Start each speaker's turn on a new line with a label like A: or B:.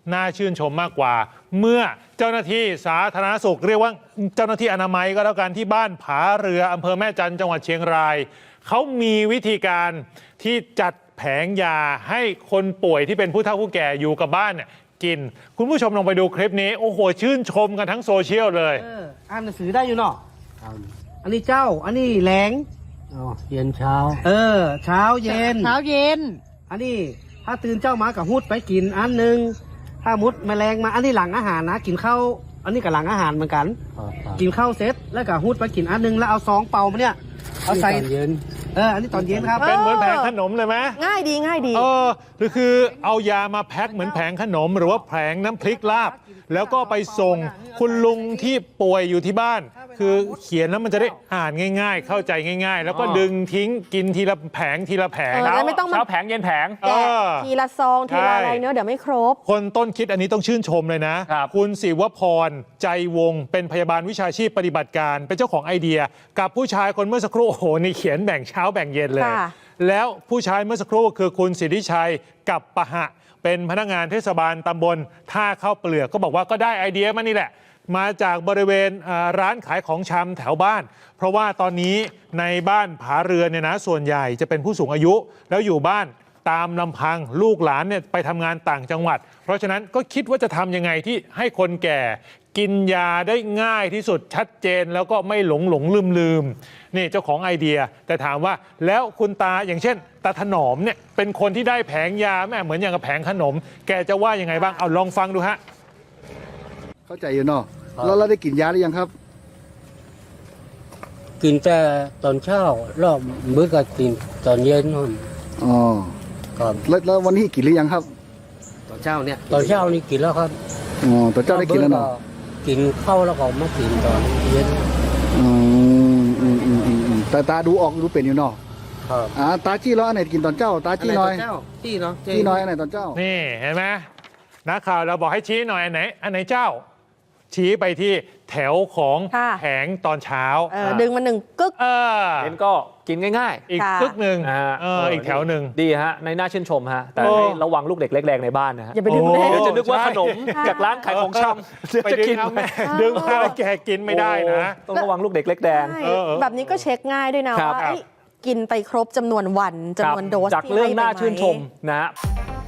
A: น่าชื่นชมมากกว่าเมื่อเจ้าหน้าที่สาธารณสุขเรียกว่าเจ้าหน้าที่อนามัยก็แล้วกันที่บ้านผาเรืออำเภอแม่จันทร์จังหวัดเชียงรายเขามีวิธีการที่จัดแผงยาให้คนป่วยที่เป็นผู้เฒ่าผู้แก่อยู่กับบ้านเนี่ยกินคุณผู้ชมลองไปดูคลิปนี้โอ้โหชื่นชมกันทั้งโซเชียลเลย
B: อ่านหนังสือได้อยู่เนาะอันนี้เจ้าอันนี้แหลง
C: เย็นเช้า
B: เช้าเย็นอันนี้ถ้าตื่นเจ้ามากับหุดไปกินอันหนึ่งถ้ามุดแมลงมาอันนี้หลังอาหารนะกินข้าวอันนี้กับหลังอาหารเหมือนกันกินข้าวเสร็จแล้วก็หุดไปกินอันหนึ่งแล้วเอาซองเป่ามาเนี่ยเอาใส่
C: เย็น
B: อันนี้ตอนเย็นครับ
A: เป็นเหมือนแผงขนมเลยไหม
D: ง่ายดี
A: หรือคือเอายามาแพ็คเหมือนแผงขนมหรือว่าแผงน้ำพริกลาบแล้วก็ไปส่งคุณลุงที่ป่วยอยู่ที่บ้านคือเขียนแล้วมันจะได้อ่านง่ายๆเข้าใจง่ายๆแล้วก็ดึงทิ้งกินทีละแผงทีละแผง
D: ไม่ต้อง
A: เช้าแผงเย็นแผง
D: ทีละซองทีละอะไรเนอะเดี๋ยวไม่ครบ
A: คนต้นคิดอันนี้ต้องชื่นชมเลยนะคุณศิวพรใจวงเป็นพยาบาลวิชาชีพปฏิบัติการเป็นเจ้าของไอเดียกับผู้ชายคนเมื่อสักครู่โอ้โหนี่เขียนแบ่งเช้าแบ่งเย็นเลยแล้วผู้ชายเมื่อสักครู่คือคุณสิทธิชัยกับปะหะเป็นพนักงานเทศบาลตำบลท่าข้าวเปลือกก็บอกว่าก็ได้ไอเดียมานี่แหละมาจากบริเวณร้านขายของชำแถวบ้านเพราะว่าตอนนี้ในบ้านผาเรือนเนี่ยนะส่วนใหญ่จะเป็นผู้สูงอายุแล้วอยู่บ้านตามลำพังลูกหลานเนี่ยไปทำงานต่างจังหวัดเพราะฉะนั้นก็คิดว่าจะทำยังไงที่ให้คนแก่กินยาได้ง่ายที่สุดชัดเจนแล้วก็ไม่หลงลืมนี่เจ้าของไอเดียแต่ถามว่าแล้วคุณตาอย่างเช่นตาถนอมเนี่ยเป็นคนที่ได้แผงยาแม่เหมือนอย่างกับแผงขนมแกจะว่ายังไงบ้างเอาลองฟังดูฮะ
E: เข้าใจอยู่เนาะแล้วเราได้กินยาหรือยังครับ
C: กินแต่ตอนเช้ารอบมื้อก็กินตอนเย็นนู่น
E: อ๋อ
C: ครับ
E: แล้ววันนี้กินหรือยังครับ
B: ตอนเช้า
C: นี่กินแล้วครับ
E: อ๋อตอนเช้าได้กินแล้วเนาะ
C: กินข้าวแล้วก็มากินตอนเย็น
E: แต่ตาดูออกดูเป็นอยู่เนาะ
C: ครับ
E: ตาจี้แล้วอันไหนกินตอนเจ้าตาจี้น้อยจี้น้อยอันไหนตอนเจ้า
A: นี่เห็นไหมนักข่าวเราบอกให้ชี้หน่อยอันไหนเจ้าชี้ไปที่แถวของแผงตอนเช้า
D: ดึงมาหนึ่งกึก
F: เห็นก็กินง่าย
A: ๆอีกกึกหนึ่งอีกแถวหนึ่ง
F: ดีฮะในน่าชื่นชมฮะแต่ให้ระวังลูกเด็กเล็กแรงในบ้านนะฮะ
D: อย่าไปดึง
F: เดี๋ยวจะนึกว่าขนมจากร้านขายของชำ
A: ไปดึงดึงมาแล้วแกกินไม่ได้นะ
F: ต้องระวังลูกเด็กเล็กแดง
D: แบบนี้ก็เช็คง่ายด้วยนะว่ากินไปครบจำนวนวันจำนวนโดส
F: จากเรื่องน่าชื่นชมนะฮะ